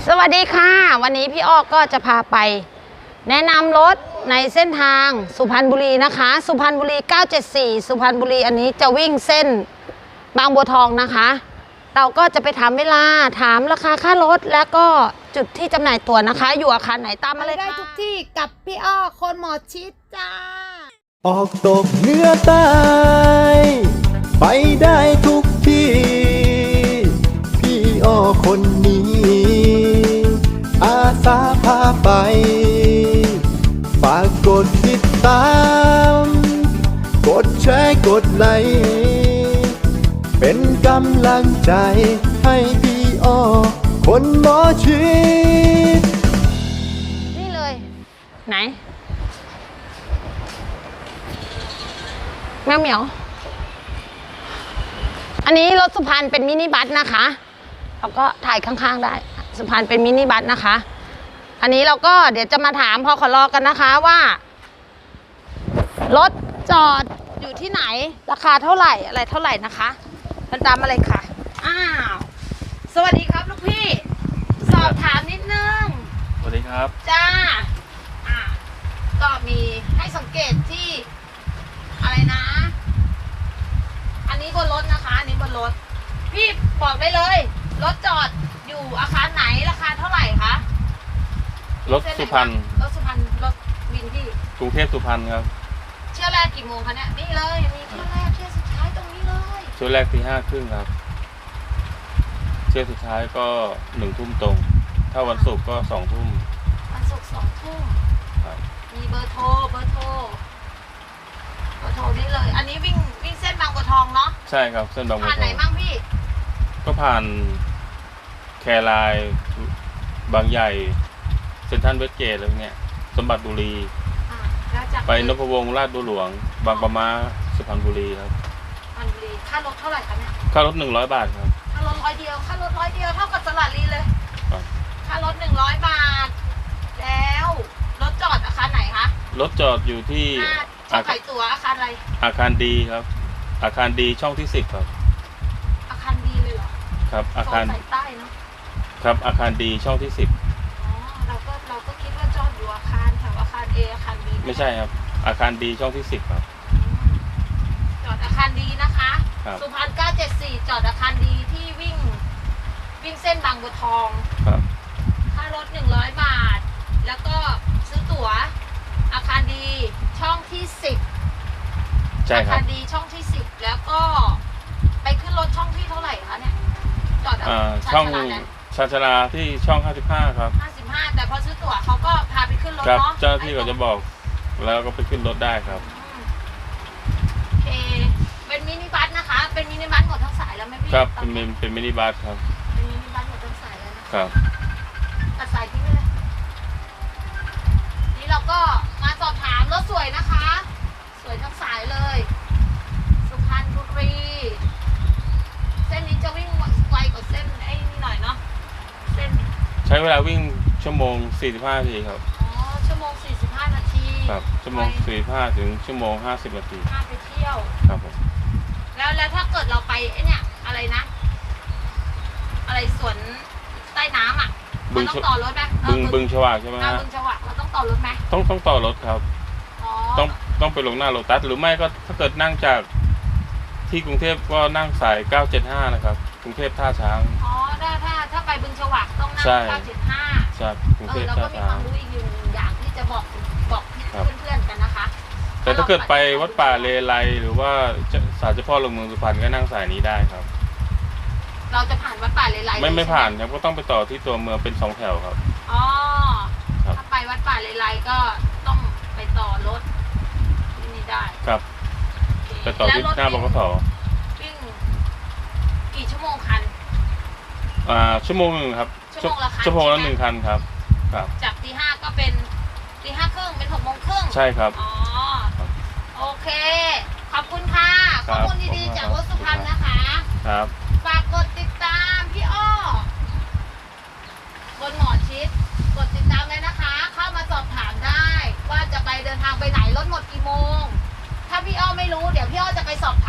สวัสดีค่ะวันนี้พี่อ้อก็จะพาไปแนะนำรถในเส้นทางสุพรรณบุรีนะคะสุพรรณบุรี974สุพรรณบุรีอันนี้จะวิ่งเส้นบางบัวทองนะคะเราก็จะไปถามเวลาถามราคาค่ารถแล้วก็จุดที่จำหน่ายตั๋วนะคะอยู่อาคารไหนตามมาเลยค่ะได้ทุกที่กับพี่อ้อคนหมอชิดจ้าออกตกเหนือใต้ไปได้ทุกที่พี่อ้อคนนี้อาสาพาไปฝากกดติดตามกดแชร์กดไลค์เป็นกำลังใจให้พี่อ้อคนหมอชิดนี่เลยไหนแมวเหมียวอันนี้รถสุพรรณเป็นมินิบัสนะคะเราก็ถ่ายข้างๆได้สุพรรณเป็นมินิบัสนะคะอันนี้เราก็เดี๋ยวจะมาถามพอขอรอกันนะคะว่ารถจอดอยู่ที่ไหนราคาเท่าไหร่อะไรเท่าไหร่นะคะมันตามมาเลยค่ะอ้าวสวัสดีครับลูกพี่สอบถามนิดนึงสวัสดีครับจ้าก็มีให้สังเกตที่อะไรนะอันนี้บนรถนะคะอันนี้บนรถพี่บอกได้เลยรถจอดอยู่อาคารไหนราคาเท่าไหร่คะรถสุพรรณรถสุพรรณรถวินที่กรุงเทพสุพรรณครับเที่ยวแรกกี่โมงคะเนี่ยนี่เลยมีเที่ยวแรกเที่ยวสุดท้ายตรงนี้เลยเที่ยวแรกตี 5:30ครับเที่ยวสุดท้ายก็1 ทุ่มตรงถ้าวันศุกร์ก็2 ทุ่มวันศุกร์2 ทุ่มมีเบอร์โทรนี่เลยอันนี้วิ่งเส้นบางบัวทองเนาะใช่ครับเส้นบางบัวทองผ่านไหนบ้างพี่ก็ผ่านแครายบางใหญ่เซ็นทรัลเวสเกตอะไรพวกเนี้ยสมบัติบุรีไปนพวงศ์ลาดบัวหลวงบางปะมาสุพรรณบุรีครับสุพรรณบุรีค่ารถเท่าไหร่คะเนี่ยค่ารถ100 บาทครับค่ารถ100 เดียวค่ารถ100 เดียวเท่ากับตลาดลีเลยค่ารถ100 บาทแล้วรถจอดอาคารไหนคะรถจอดอยู่ที่ขายตั๋วอาคารอะไรอาคารดีครับอาคารดีช่องที่10ครับอาคารดีเลยเหรอครับอาคารสายใต้เนาะครับอาคารดีช่องที่10 เราก็คิดว่าจอดอยู่อาคารแถวอาคาร A อาคาร B ไม่ใช่ครับอาคารดีช่องที่10ครับจอดอาคารดีนะคะสุพรรณ974จอดอาคารดีที่วิ่งเส้นบางบัวทองครับค่ารถ100 บาทแล้วก็ซื้อตั๋วอาคารดีช่องที่10 ใช่ครับอาคารดีช่องที่10แล้วก็ไปขึ้นรถช่องที่เท่าไหร่คะเนี่ยจอดช่องชาญชลาที่ช่อง55ครับ 55แต่พอซื้อตั๋วเขาก็พาไปขึ้นรถเนาะเจ้าหน้าที่เขาจะบอกแล้วก็ไปขึ้นรถได้ครับโอเคเป็นมินิบัสนะคะเป็นมินิบัสหมดทั้งสายแล้วไหมพี่ครับเป็นมินิบัสครับเป็นมินิบัสหมดทั้งสายแล้วนะครับตัดสายทิ้งไปเลยนี่เราก็มาสอบถามรถสวยนะคะสวยทั้งสายเลยสุพรรณบุรีเส้นนี้จะวิ่งไวกว่าเส้นไอ้นี่หน่อยเนาะเส้นใช้เวลาวิ่งชั่วโมง45 นาทีครับชั่วโมง45 นาทีครับชั่วโมง45ถึงชั่วโมง50 นาทีไปเที่ยวครับผมแล้วถ้าเกิดเราไปไอ้เนี่ยอะไรนะอะไรสวนใต้น้ำอ่ะมันต้องต่อรถไหมบึงฉวากใช่ไหมฮะบึงฉวากเราต้องต่อรถไหมต้องต่อรถครับต้องไปลงหน้าโลตัสหรือไม่ก็ถ้าเกิดนั่งจากที่กรุงเทพก็นั่งสาย975นะครับกรุงเทพท่าช้างถ้าไปบึงฉวากต้องนั่ง975 ใช่กรุงเทพท่าช้างเราก็มีความรู้อีกอย่างที่จะบอกเพื่อนๆกันนะคะแต่ถ้าเกิดไปวัดป่าเลไลหรือว่าศาลเจ้าพ่อหลวงเมืองสุพรรณก็นั่งสายนี้ได้ครับเราจะผ่านวัดป่าเลไลไม่ผ่านครับก็ต้องไปต่อที่ตัวเมืองเป็น2 แถวครับถ้าไปวัดป่าเลไลก็ต้องไปต่อรถที่นี่ได้ครับไปต่อที่หน้าบกส. วิ่งกี่ชั่วโมงคันชั่วโมง1ครับชั่วโมงละ1 คันครับจากตี 5ก็เป็นตี 5:30เป็น6:30 ใช่ครับโอเคขอบคุณค่ะข้อมูลดีๆจากรถสุพรรณนะคะครับฝากกดติดตามพี่อ้อบนหมอชิดกดติดตามเลยนะคะเข้ามาสอบถามได้ว่าจะไปเดินทางไปไหนรถหมดกี่โมงถ้าพี่อ้อไม่รู้เดี๋ยวพี่อ้อจะไปสอบ